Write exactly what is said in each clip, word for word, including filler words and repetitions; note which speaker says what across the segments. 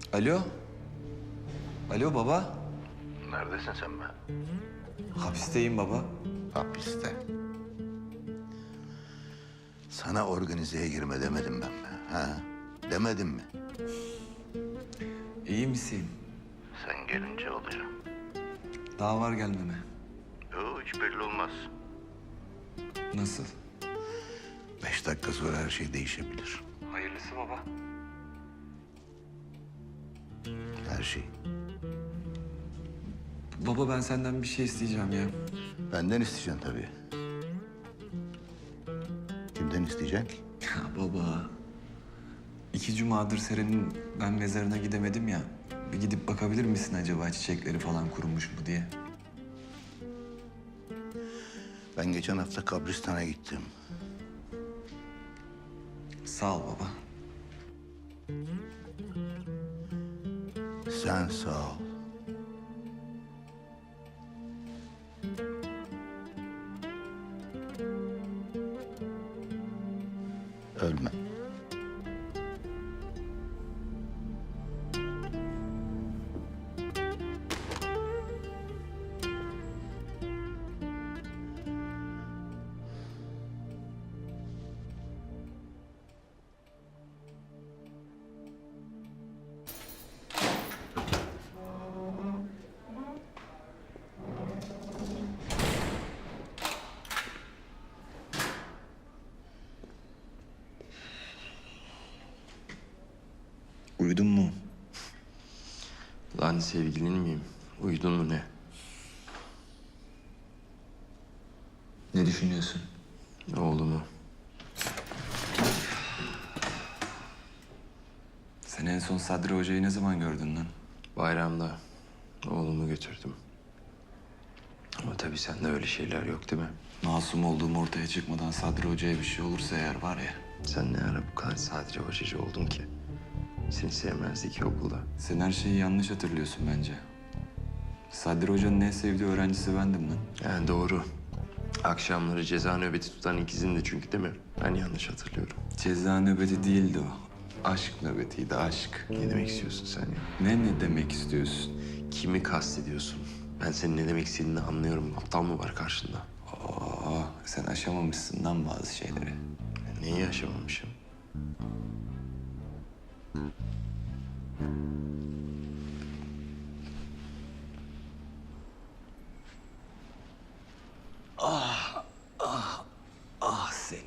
Speaker 1: Alo? Alo baba?
Speaker 2: Neredesin sen be?
Speaker 1: Hapisteyim baba.
Speaker 2: Hapiste. Sana organizeye girme demedim ben mi? Ha? Demedim mi?
Speaker 1: İyi misin?
Speaker 2: Sen gelince olacağım.
Speaker 1: Daha var gelmeme.
Speaker 2: Yo, hiç belli olmaz.
Speaker 1: Nasıl?
Speaker 2: Beş dakika sonra her şey değişebilir.
Speaker 1: Hayırlısı baba.
Speaker 2: Her şey.
Speaker 1: Baba ben senden bir şey isteyeceğim ya.
Speaker 2: Benden isteyeceksin tabii. Kimden isteyeceksin ki?
Speaker 1: Ya baba. İki cumadır Seren'in ben mezarına gidemedim ya. Bir gidip bakabilir misin acaba çiçekleri falan kurumuş mu diye?
Speaker 2: Ben geçen hafta kabristana gittim.
Speaker 1: Sağ ol baba.
Speaker 2: Sen sağ ol. Ölme.
Speaker 1: Uyudun mu?
Speaker 3: Lan sevgilin miyim? Uyudun mu ne?
Speaker 1: Ne düşünüyorsun?
Speaker 3: Oğlumu.
Speaker 1: Sen en son Sadri Hoca'yı ne zaman gördün lan?
Speaker 3: Bayramda oğlumu götürdüm. Ama tabii sende öyle şeyler yok değil mi?
Speaker 1: Masum olduğum ortaya çıkmadan Sadri Hoca'ya bir şey olursa eğer var ya...
Speaker 3: Sen ne ara bu kadar sadece hocacı oldun ki? Seni sevmezdi ki okulda.
Speaker 1: Sen her şeyi yanlış hatırlıyorsun bence. Sadri Hoca'nın en sevdiği öğrencisi bendim lan.
Speaker 3: Yani doğru. Akşamları ceza nöbeti tutan ikizindi çünkü değil mi? Ben yanlış hatırlıyorum.
Speaker 1: Ceza nöbeti değildi o. Aşk nöbetiydi, aşk.
Speaker 3: Ne demek istiyorsun sen ya?
Speaker 1: Ne ne demek istiyorsun?
Speaker 3: Kimi kastediyorsun? Ben senin ne demek istediğini anlıyorum. Aptal mı var karşında?
Speaker 1: Aa, sen aşamamışsın lan bazı şeyleri.
Speaker 3: Neyi yaşamamışım?
Speaker 1: Ah seni.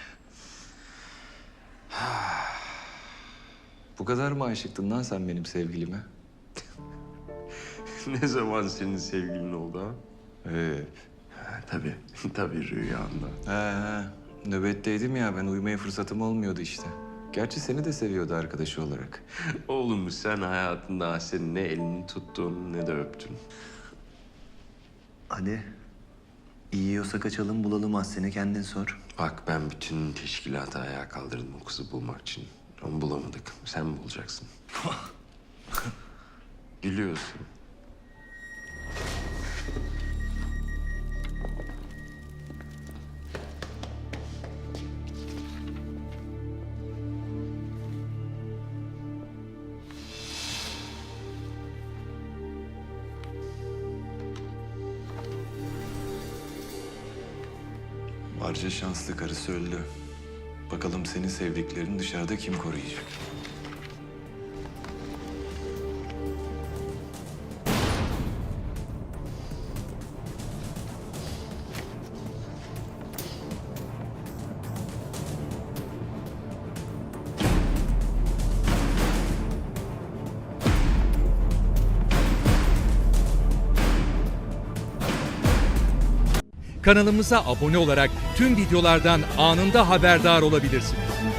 Speaker 1: Bu kadar mı aşıktın lan sen benim sevgilime?
Speaker 3: Ne zaman senin sevgilin oldu ha?
Speaker 1: Hep.
Speaker 3: Ha, tabii, tabii rüyanda.
Speaker 1: He he. Nöbetteydim ya ben uyumaya fırsatım olmuyordu işte. Gerçi seni de seviyordu arkadaşı olarak.
Speaker 3: Oğlum sen hayatında senin ne elini tuttun ne de öptün.
Speaker 4: Hadi. İyi yiyorsa kaçalım bulalım Aslen'i kendin sor.
Speaker 3: Bak ben bütün teşkilatı ayağa kaldırdım o kızı bulmak için. Onu bulamadık. Sen mi bulacaksın? Gülüyorsun.
Speaker 1: Barca şanslı karısı öldü. Bakalım senin sevdiklerini dışarıda kim koruyacak?
Speaker 5: Kanalımıza abone olarak tüm videolardan anında haberdar olabilirsiniz.